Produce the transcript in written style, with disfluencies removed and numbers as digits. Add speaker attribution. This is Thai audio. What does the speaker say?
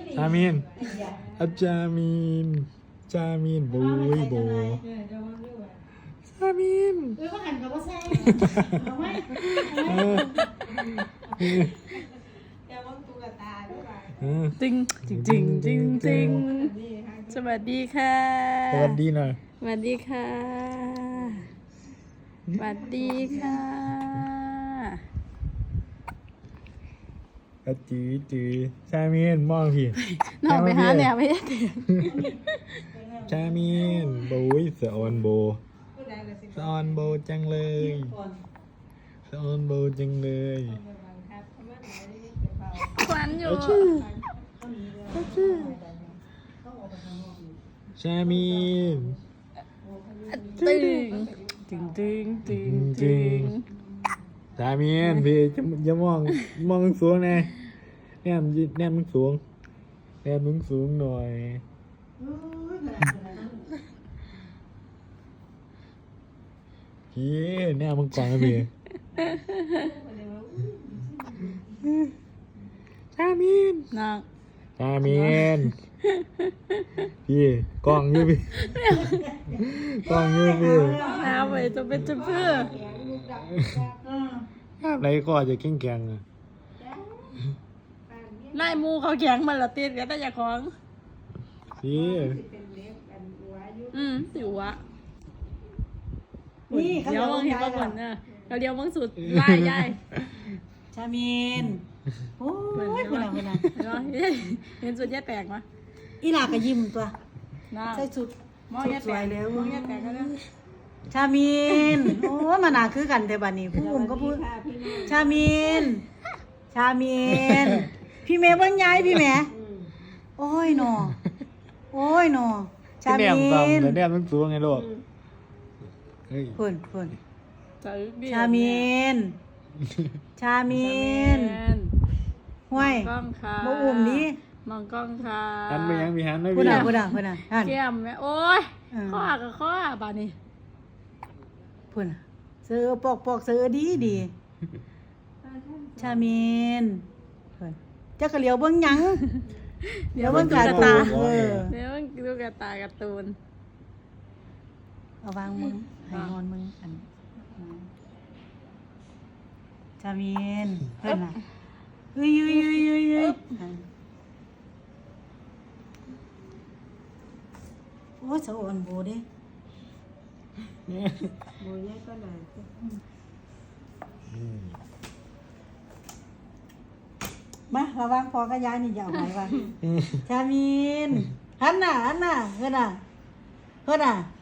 Speaker 1: จามินจามินจามินโบยโบจามิน
Speaker 2: ก็หันกับว่าแซ่เอาไหมอย่ามองตูกับตาด้วย
Speaker 3: จริงจริงจริงจริงจริงสวัสดีค่ะ
Speaker 1: สวัสดีหน่อย
Speaker 3: สวัสดีค่ะสวัสดีค่ะ
Speaker 1: จือจามินมองพี่
Speaker 3: น้องไปหาแนวไม่ได้
Speaker 1: จามินโบยสะออนโบสะออนโบจังเลยสะออนโบจังเลย
Speaker 3: ควันอยู่
Speaker 1: จามิน
Speaker 3: ตึงตึงตึงตึงตึง
Speaker 1: จามินพี่จะมองสูงไงแนมมึงสูงแนมมึงสูงหน่อยพี่แนมมึงก่อนนะพี่จามิน
Speaker 3: น้อง
Speaker 1: จามินพี่กล้องอยู่พี่กล้องอยู่พี่
Speaker 3: น้าไปจะเป็นจะเพื่อ
Speaker 1: อะไรก็จะแข็งๆอ่ะ
Speaker 3: ไล่มูเขาแข็งมาละตีนกันแต่อย่าของ
Speaker 1: พี่
Speaker 3: สิวะ
Speaker 2: นี่
Speaker 3: เดี๋ยวมึงเห็นก่อนนะเดี๋ยวมึงสุดไล่ยาย
Speaker 2: ชามินโอ้ยคุณน่ะ
Speaker 3: เห็นสุดแย่แตกมั้ย
Speaker 2: อีหลาก็ยิ้มตัวใส่สุด
Speaker 3: มองแย่แตกแล้วมองแย่แตกก็ได้
Speaker 2: ชามินโอ้มาหนาคือกันแต่บัดนี้ผู้อุ้มก็พูดชามินชามินพี่เมย์เบิ่งยายพี่แม่โอ้ยหนอโอ้ยหนอชามิน
Speaker 1: แนมมึงสูงไงลูก
Speaker 2: เพิ่นชามินชามินห้วย
Speaker 3: กล้องค่ะ
Speaker 2: บ่อุ้มนี้
Speaker 3: มองกล้องค่ะ
Speaker 1: หันไปยังมีหันไม่มี
Speaker 2: พุ่นน่ะ
Speaker 3: แก้มแม่โอ้ยข้อกับข้อบาดนี้
Speaker 2: พุ่นเสือปอกเสือดีชามินเพิ่นจักก็เหลียวเบิ่งหยังเดี๋ยวเบิ่งการ์ตูน
Speaker 3: เดี๋ยวมึงดูกระตาการ์ตูน
Speaker 2: เอาวางมึงให้นอนมึงอันชามินเพิ่นน่ะเฮ้ยโอ้ยสะอ่อนโบเด้โบยายก็ได้มาระวังพอกับยายนี่อย่าเอาไว้ว่าชามินหันหน้าเฮ้ยน่ะ